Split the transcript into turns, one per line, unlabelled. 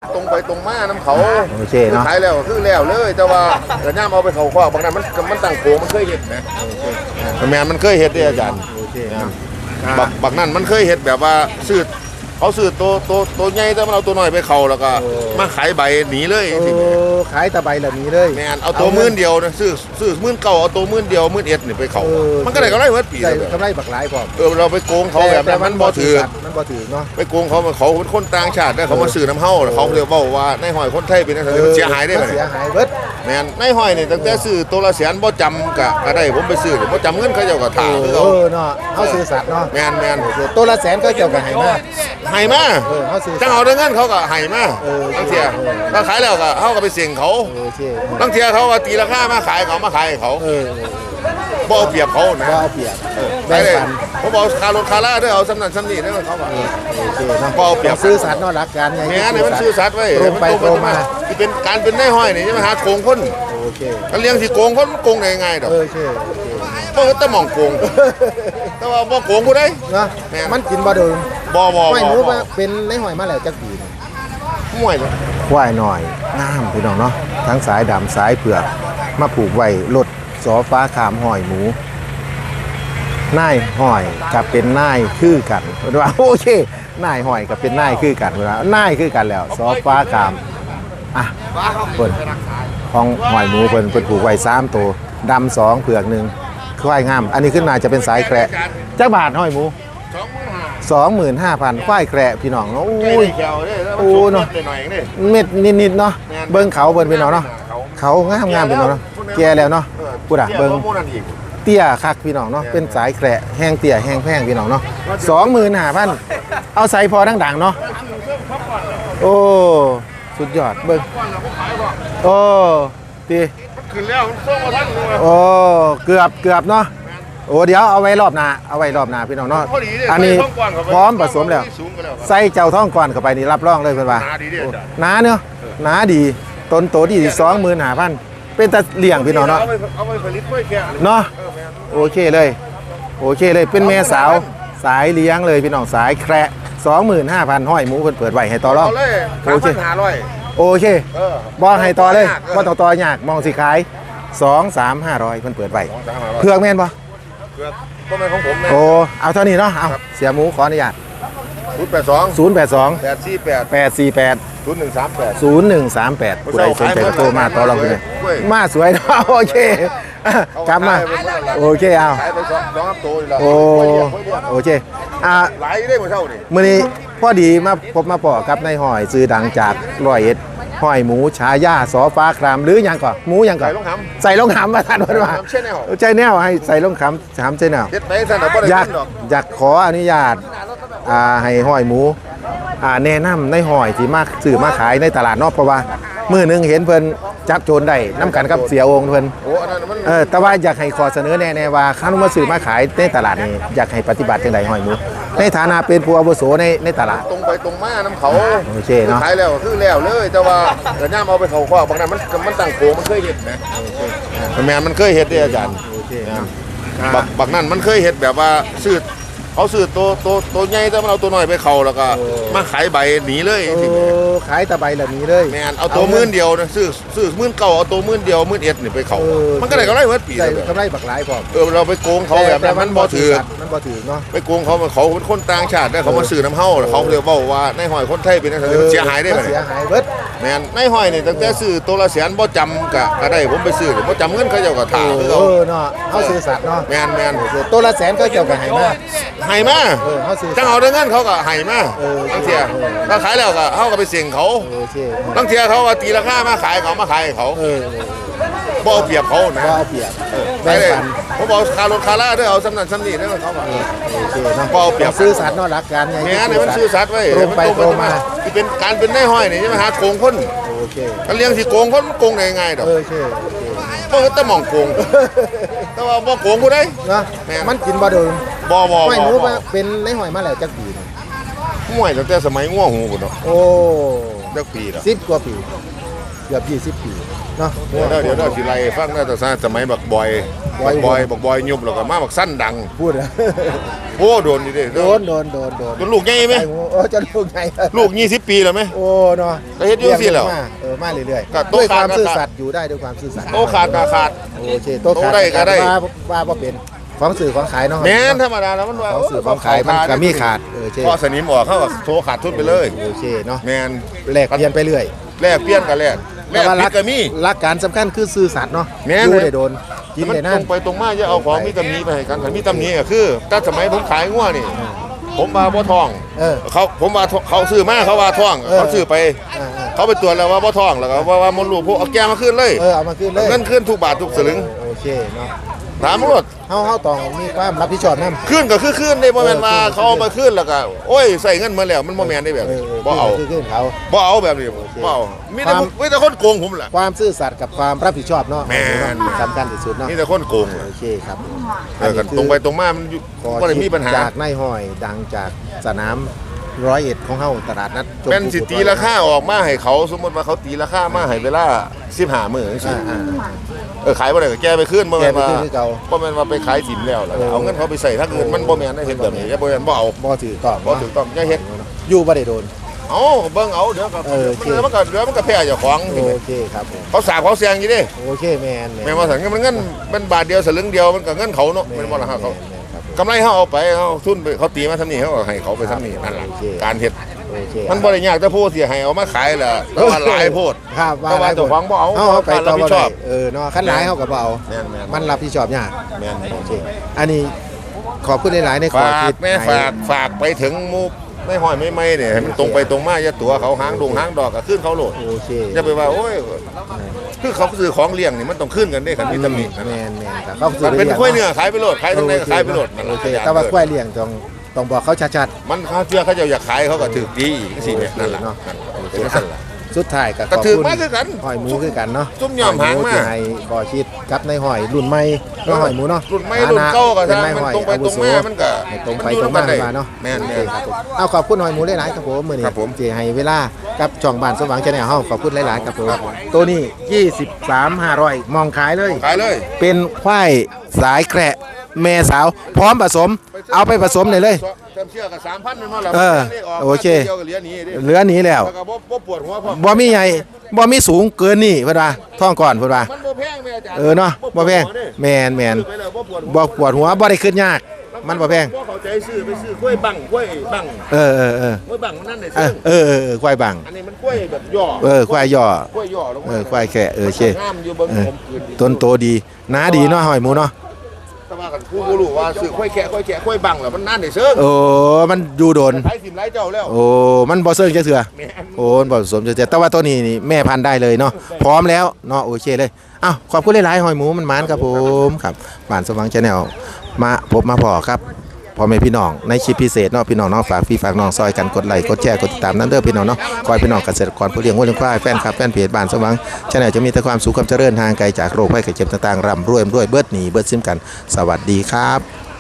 ตรงไปตรงมาน้ำเขา
โอเคเนาะ
ขายแล้วคือแล้วเลยแต่ว่าเดี๋ยวย่ามเอาไปเขาคว้าบางนั้นมันตั้งโกมันเคยเห็ดนะแมนมันเคยเห็ดด้วยอาจารย์
โอเค
บักนั่นมันเคยเห็ดแบบว่าซื้อเขาซื้อตัวใหญ่แต่มันเอาตัวน้อยไปเขาแล้วก็มาขายใบหนีเลยจริง
ขายตะไบเหล่านี้เลย
แมนเอาตัวมื่นเดียวนะซื้อมื่นเก่าเอาตัวมื่นเดียวมื่นเอ็ดนี่ไปเขามันก็ได้กำไรเมื่อปี
ได้
เลย
กำไรบักหลายพร้อม
เราไปโกงเขาแบบนั้นมันบ่ถือ
มันบ่ถือเนาะ
ไปโกงเขาเป็นคนต่างชาติได้เขามาซื้อน้ำเฮาเขาเรียกว่าในหอยคนไทยเป็นอะไรมันเสียหายได้ไหม
เสียหายเบิด
แมนในหอยนี่ตั้งแต่ซื้อตัวละแสนบ่จำก็ได้ผมไปซื้อบ่จำเงินเขาเจ้าก็ถ่าคือเขา
เนาะเฮาซื้อสัตว์เนาะ
แมน
ตัวละแสนก็เกี่ยวกับไหมา
ให้มา
เฮาซื้อ
จังเอาได้เงินเขาก็ให้มาบางเทียถ้าขายแล้วก็เขาก็ไปเสี่ยงเขา
โอเค
บางเทียเขาก็ตีราคามาขายเขาบ่เอาเปรียบเขานะ
ก็เอาเปรียบ
แบ่
แบ่
ง
ง
ปั
ปั
น
น
ผมบอกคารถคาร่าด้วยเอาสำนันสำนีด้วยเขาบอก
โอเคเนาะ
บ่เอาเปรียบ
ซื้อสัตว์เนาะรักกันไง
แม่นี่มันซื้อสัตว์ไว้
ตรงไปตรงมา
ที่เป็นการเป็นได้ห้อยนี่ใช่ไหมหาโกงคน
โอเค
การเลี้ยงที่โกงคนโกงได้ง่ายดอก
โอเค
เพราะแต่มองโกงแต่ว่าบ่โกงกูได้
เนาะ
แม่น
มันกินบ่โดน
บ่
ไม่รู้ว่าเป็นในหอยมาแล้วจักปีนี่
ม่วยเลย
ควายหน่อยงามพี่น้องเนาะทั้งสายดำสายเผือกมาผูกไว้รถสอฟ้าขามหอยหมูนายหอยกับเป็นนายคือกันว่าโอเคนายหอยกับเป็นนายคือกันเวลานายคือกันแล้วสอฟ้าขามอ่ะเพิ่นของหอยหมูเพิ่นผูกไว้3ตัวดำ2เผือก1ควายงามอันนี้ขึ้นมาจะเป็นสายแคระจักบาทหอยหมู 25,000ควายแคระพี่น้องเนาะ
ใกล้
อุ้ย
ได้แขวเด้แล้ว
โอ้เนาะ
หน่อยๆนี่
เม็ดนิดๆเนาะเบิ่งเขาเบิ่งพี่น้องเนาะเขางามๆพี่น้องเนาะแก่แล้วเนาะพูดอ่ะเบิ่งเตี้ยคักพี่น้องเนาะเป็นสายแคระแห้งเตี้ยแห้งแพงพี่น้องเนาะ25,000เอาใส่พอดังๆเนาะโอ้สุดยอดเบิ่งโอ้ตี
ขึ้นแล้วส่งมาทันเลย
โอ้เกือบเนาะโอ้เดี๋ยวเอาไว้รอบหน้าพี่น้องเนาะอันนี้พร้อมผสมแล้วใส่เจ้าท้องก่อนเข้าไปนี่รับรองเลยเพิ่นว่า
นาดีเด้อจ้ะ
หนาเนาะหนาดีต้นโตดี25,000เป็นตะเลี่ยงพี่น้องเนาะ
เอาไปผลิตกล้วยแค่
เนาะโอเคเลยเป็นแม่สาวสายเลี้ยงเลยพี่น้องสายแคระ25,000ห้อยหมูเพิ่นเปิดไว้ให้ต่อรอง
เอาเลย
โอเค
3,500
โอเค
เออ
บ่ให้ต่อเลย
เออ
บ่ต้องต่อยากมองสิขาย2-3-500เพิ่นเปิดไว้เพือกแม่นบ่
เพื่อต้นไม้ของผมนะ
โอ้เอาเท่านี้เนาะเอาเสียหมูขออนุญาต
082
082
848
848
0138
ผู้ใดสนใจก็โทรมาต่อรองกันเลยมาสวยเนาะโอเคกลับมาโอเคเอา
ขายไป2ตัวแล้ว
โอ้โอเค
หลายได้หมดเท่านี่
มื้อนี้พอดีมาพบมาปอกับนายหอยซื้อดังจาก101หอยหมูฉายาสอฟ้าครามหรือหยังก่อนหมูหยังก่อน
ใส่ลงหำ
ใส่ลงหำมาทันวันว่า
ใช่แนว
ใจแนวให้ใส่ลงหำหำใจแนว
เฮ็ดไปซั่นน่ะบ่ได้
อยาก
เงินดอก
อยากขออนุญาตให้หอยหมูแนะนำในหอยที่มาซื้อมาขายในตลาดนอกเพราะว่ามื้อหนึงเห็นเพิ่นจับโจรได้น้ำกันกับเสียองค์เพิ่น
โอ้อันนั้นมัน
แต่ว่าอยากให้ขอเสนอแน่ๆว่าข้ามาซื้อมาขายในตลาดนี้อยากให้ปฏิบัติจังไดหอยหมูในฐานะเป็นผู้อาวุโสในตลาด
ตรงไปตรงมาน้ำเขา
โอเคเนาะ
ขายแล้วคือแล้วเลยแต่ว่าเดี๋ยวย่ามเอาไปเขาคว้าบางนั้นมันตั้งโกมันเคยเห็ดนะแม่นมันเคยเห็ดด้วยอาจารย์
โอเคเนาะ
บักนั่นมันเคยเห็ดแบบว่าซื้อเขาซื้อตัวใหญ่แต่มันเอาตัวน้อยไปเขาแล้วก็มาขายใบหนีเลยจริง
ขายตะไบเหล่านี้เลย
แม่นเอาตัวมื่นเดียวนะซื้อมื่นเก่าเอาตัวมื่นเดียวมื่นเอ็ดนี่ไปเขามันก็ได้กำไรเมื่อปี
ได้
เลย
กำไรบักหลายพร้อม
เราไปโกงเขาแบบนั้นมันบ่ถือ
มันบ่ถือเนาะ
ไปโกงเขาเป็นคนต่างชาติได้เขามาซื้อน้ำเฮาเขาเรียกว่าในหอยคนไทยเป็นอะไรมันเสียหายได้ไหม
เสียหายเบิด
แม่นในหอยนี่ตั้งแต่ซื้อตัวละแสนบ่จำก็ได้ผมไปซื้อบ่จำเงินเขาเจ้าก็ถ่าคือเขา
เนาะเฮาซื้อสัตว์เนาะ
แม่น
ตัวละแสนก็เกี่ยวกับไหมา
ให้มา
เฮาซื้อ
จังเอาได้เงินเขาก็ให้มาบางเทียถ้าขายแล้วก็เขาก็ไปเสี่ยงเขา
โอเค
บางเทียเขาก็ตีราคามาขายเขามาขายเขาบ่เอาเปรียบเขานะ
ก็เอาเปรียบ
ใช่
แบ่ง
เลย
ปัน
ผมบอกคารถคาร่าด้วยเอาสำนันสำนีด้วยเขาบอก
โอเคเนาะ
บ่เอาเปรียบ
ซื้อสัตว์เนาะรักกันไง
แม่นี่มันซื้อสัตว์ไว้
ตรงไปตรงมา
ที่เป็นการเป็นได้ห้อยนี่ใช่ไหมหาโกงคน
โอเค
การเลี้ยงที่โกงคนโกงได้ง่ายดอก
โอเค
เพราะแต่มองโกงแต่ว่าบ่โกงกูได้
เนาะ
แม่น
มันกินบ่โดน
บ่
ไม่รู้ว่าเป็นในหอยมาแล้วจักปีนี่
ม่วยตั้งแต่สมัยง่วงหูพุ่นเนาะ
โอ้
จักปีละ
10 กว่าปีกือบ20 ปีเนาะ
เดี๋ยวสิไล่ฟังน่าจะสมัยบักบอยยุบแล้วก็มาบักสั้นดัง
พูด
โอ้โดนนี่ดิ
โดน
จนลูกใหญ่ไหม
โอ้จะลูกใหญ่
ลูก20 ปีแล้วไหม
โอ้เนาะ
ก็เฮ็ดอยู่สิแล้ว
มาเรื่อย
ก็
ๆ
โต
ด้วยค
ขาด
วามซื่อสัตย์อยู่ได้ด้วยความซื่อสัตย์
โตขาดตาขาด
โอเคโตขาด
โตได้ก็ได้
ว่าบ่เป็นของสื่อของขายเนาะ
แม่นธรรมดาแล้วมันว่า
ของสื่อของขายมันก็มีขาดเช่
พอสนิมออกเขาก็โทรขาดทุนไปเลย
โอเคเนาะ
แม่น
แลกเปลี่ยนไปเรื่อย
แลกเปลี่ยนกันแลกผิดก็มี
หลักการสำคัญคือซื่อสัตย์เนาะ
แม่น
อยู่ได้โดนกิน
มัน
ได้
ต
นาร น
งไปตรงมาจะเอาของมีตำหนิไปให้กันถ้ามีตำหนิก็คือถ้าสมัยผมขายงัวนี่ ผมมาบ่ทอง ผมว่าเขาซื้อมาเขาว่าทองเขาซื้อไป เขาไปตรวจแล้วว่าบ่ทองแล้วก็ว่ามดลูกพวกเอาแก้มาคืนเลย
เอามาคืนเลย
เงินคืนทุกบาททุกสลึง
โอเคเนาะ
ถามรถ
เฮาต้องมีความรับผิดชอบนำ
คืนก็คือคืนได้บ่แม่นว่าเขาเอามาคืนแล้วก็โอ้ยใส่เงินมาแล้วมันบ่แม่นได้แบบนี้บ่เอา
คือเขา
บ่เอาแบบนี้บ่เอามีแต่คนโกงผมแหละ
ความซื่อสัตย์กับความรับผิดชอบเนาะ
แม่น
สำคัญที่สุดเนาะ
มีแต่คนโกง
โอเคครับ
กันตรงไปตรงมามันบ่ได้มีปัญหา
จากนายห้อยดังจากสนาม101ของเฮาตลาดนัด
เป็นสิตีราคาออกมาให้เขาสมมติว่าเขาตีราคามาให้เวลา15มื้อจังซี่ขายบ่ได้ก็แก้ไปคืนบ่แม่นว่าบ่แม่นว่าไปขายสินแล้วแล้วเอาเงินเขาไปใส่ทางอื่นมันบ่แม่นได้เฮ็ดแบบนี้บ่แม่นบ่เอา
บ่ถือต้อง
บ่ถูกต้องอย่าเฮ็ด
อยู่บ่ได้โดน
เอาเบิ่งเอาเดี๋ยวก็
โอเค
มันก็แพ้เจ้าของ
โอเคครับผม
เขาสาบเขาแซงอยู่เด้
โอเคแม่น
แม่นว่าสังมันเงินมันบาทเดียวสลึงเดียวมันก็เงินเขาเนาะแม่นบ่ล่ะครับเขากำไรเฮาเอาไปเฮาทุนไปเขาตีมาทำนี่เฮาก็ให้เขาไปทำนี่นั่นล่ะการเฮ็ด
โอเค
มันบ่ได้ยากแต่ผู้เสียให้เอามาขายล่ะแต่ว่าหลายโพด
ครับ
แต่ว่าเจ้าของบ่เอา
เอาไปต่อ
รับผิ
บ่
ดช
ได้
อบ
เนาะคันหลายเฮาก็บ่เอา
แม่น
มันรับผิดชอบยาก
แม่น
โอเคอันนี้ขอบคุณหลายๆในขอ
ฝา
คิ
ก
ด
แม่ฝากไปถึงหมู่ไม่ห้อยไม่เนี่ยให้มันตรงไปตรงมาอย่าตัวเขาหางดงหางดอกก็ขึ้นเขาโหลด
โอเค
อย่าไปว่าโอ้ยคือเขาซื้อของเลี้ยงนี่มันต้องขึ้นกันได้คันมีตำหนิ
แม่นครับเขา
มันเป็นข้อยเนื้อขายไปโหลดขายทางไหนก็ขายไปโหลดนั่น
โอ
ล่ะ
เคแต่ว่าควายเลี้ยงต้องบอกเขาชัด
มันเขาเชื่อเขาจะอยากขายเขาก็ถือดีอีกสิเนี่ยนั่นแหละ
เนาะ
เป็นสั่นล่ะ
ๆสุดท้ายก็ข
ก็
อบ
ถือ
คุณ
มาคือกัน
หอยหมูคือกันเนาะ
ซุ่มยอมหางมา
ที่ให้ขอคิดกับในหอยรุ่นใหม่เนาะหอยหมูเนาะ
รุ่นไม่รุ่นเก่าก็
เป็น
ทาง
นาย
มัน
หอย
ตรงไป
อาวุ
ตรง
โส
มามันก็
ให้ตรงไปตรงมาเนาะ
แม่น
โอเคครับผมเอาขอบคุณหอยหมูหลายๆครับผมมื้อนี้
ครับผม
ที่ให้เวลากับช่องบ้านสว่างแชนแนลเฮาขอบคุณหลายๆครับผมตัวนี้23,500มองขายเลย
ขายเลย
เป็นควายสายแกระแม่สาว พร้อมผสม เอาไปผสมเลย
จำเชื่อกับ3,000มันมาแล้ว
โอเค
เดียวกับเหรียญนี้ดิ
เหลือหนี้แล้ว
แล้วก็บ่ปวดหัวพอ
บ่มีใหญ่บ่มีสูงเกินนี่เพิ่นว่าท่องก่อนเพิ่นว่า
มันบ่แพงแม่อาจารย์
เนาะบ่แพงแม่น
ซื้อไปแล้วบ่ปวดหัว
บ่ปวดหัวบ่ได้ขึ้นยาก มันบ่แพง
บ่เข้าใจซื้อไปซื้อกล้วยบังกล้วยบัง
เออ
กล้วยบังมันนั่นได้
เอ
ซื้
อควายบัง
อันนี้มันกล้วยแบบย่อ
ควายย่อก
ล้วยย่อลงมา
ควายแค่เช
งามอยู่เบิ่งผมคืนดี
ต้นโตดีหนาดีเนาะหอยหมูเนาะ
แต่ว่ากันผู้บ่รู้ว่าซื้อกล้วยแค่กล้วยบังแล้วมันนั่นได้ซื้อ
โอ้มันอยู่โดน
ขายสิมหลายเจ้าแล้ว
โอ้มันบ่เซิงจะเถื่อ
แม่น
โอ้มันบ่ผสมจะเถื่อแต่ว่าตัวนี้นี่แม่พันธุ์ได้เลยเนาะพร้อมแล้วเนาะโอเคเลยอ้าวขอบคุณหลายๆหอยหมูมันหมานครับผมครับบ้านสว่างแชนแนลมาพบมาพอครับพ่อแม่พี่น้องในคลิปพิเศษเนาะพี่น้องเนาะฝากพี่ฝากน้องซอยกันกดไลค์กดแชร์กดติดตามนั้นเด้อพี่น้องเนาะคอยพี่น้องเกษตรกรผู้เลี้ยงวัวเลี้ยงควายแฟนคลับแฟนเพจบ้านสว่างแชนแนลจะมีแต่ความสุขความเจริญห่างไกลจากโรคภัยไข้เจ็บต่างๆร่ำรวยเบิดหนีเบิดซิมกันสวัสดีครับ